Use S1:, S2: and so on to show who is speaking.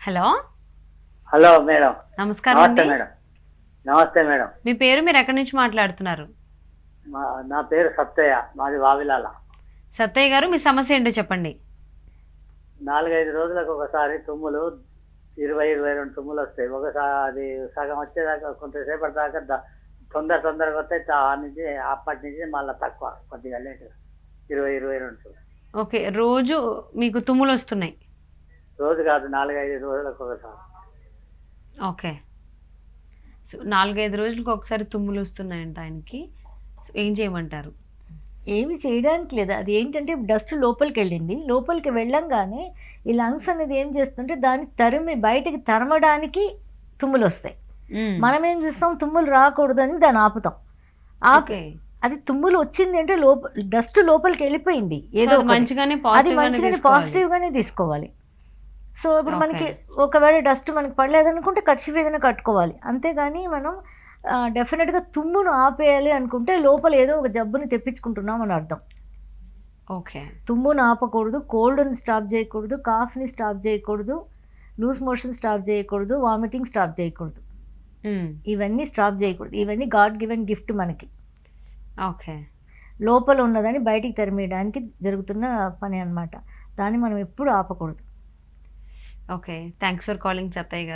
S1: Hello.
S2: Hello madam.
S1: నమస్కారం
S2: నమస్తే
S1: అండి.
S2: మేడం. నమస్తే మేడం.
S1: మీ పేరు, మీరు ఎక్కడి నుంచి మాట్లాడుతున్నారు?
S2: నా పేరు సత్తయ్య, మాది వావిలాల.
S1: సత్తయ్య గారు, మీ సమస్య ఏంటో చెప్పండి.
S2: 4-5 రోజులకు ఒకసారి తుమ్ములు 20-22 తుమ్ములు వస్తాయి. ఒకసారి అది సగం వచ్చేదాకా కొంతసేపటి దాకా తొందరగా వస్తాయి. నుంచి అప్పటి నుంచి మళ్ళీ తక్కువ, కొద్దిగా లేట్ 20-22 తుమ్ములు.
S1: ఓకే, రోజు మీకు తుమ్ములు వస్తున్నాయి?
S2: రోజు కాదు, 4-5 రోజులకు ఒకసారి.
S1: ఓకే, సో 4-5 రోజులకు ఒకసారి తుమ్ములు వస్తున్నాయంట ఆయనకి. సో ఏం చేయమంటారు?
S3: ఏమి చేయడానికి లేదు. అది ఏంటంటే డస్ట్ లోపలికి వెళ్ళింది. లోపలికి వెళ్ళంగానే ఈ లంగ్స్ అనేది ఏం చేస్తుంటే దాన్ని బయటికి తరమడానికి తుమ్ములు వస్తాయి. మనం ఏం చేస్తాం, తుమ్ములు రాకూడదని దాన్ని ఆపుతాం.
S1: ఓకే,
S3: అది తుమ్ములు వచ్చింది అంటే డస్ట్ లోపలికి వెళ్ళిపోయింది. ఏదో
S1: అది మంచిగానే
S3: పాజిటివ్గానే తీసుకోవాలి. సో ఇప్పుడు మనకి ఒకవేళ డస్ట్ మనకి పడలేదనుకుంటే కర్చీఫ్ ఏదైనా కట్టుకోవాలి. అంతేగాని మనం డెఫినెట్గా తుమ్మును ఆపేయాలి అనుకుంటే లోపల ఏదో ఒక జబ్బుని తెప్పించుకుంటున్నాం అని అర్థం.
S1: ఓకే,
S3: తుమ్మును ఆపకూడదు, కోల్డ్ని స్టాప్ చేయకూడదు, కాఫ్ని స్టాప్ చేయకూడదు, లూజ్ మోషన్ స్టాప్ చేయకూడదు, వామిటింగ్ స్టాప్ చేయకూడదు. ఇవన్నీ స్టాప్ చేయకూడదు. ఇవన్నీ గాడ్ గివెన్ గిఫ్ట్ మనకి.
S1: ఓకే,
S3: లోపల ఉన్నదని బయటికి తరిమేయడానికి జరుగుతున్న పని అన్నమాట. దాన్ని మనం ఎప్పుడు ఆపకూడదు.
S1: Okay, thanks for calling Sattaiah గారు.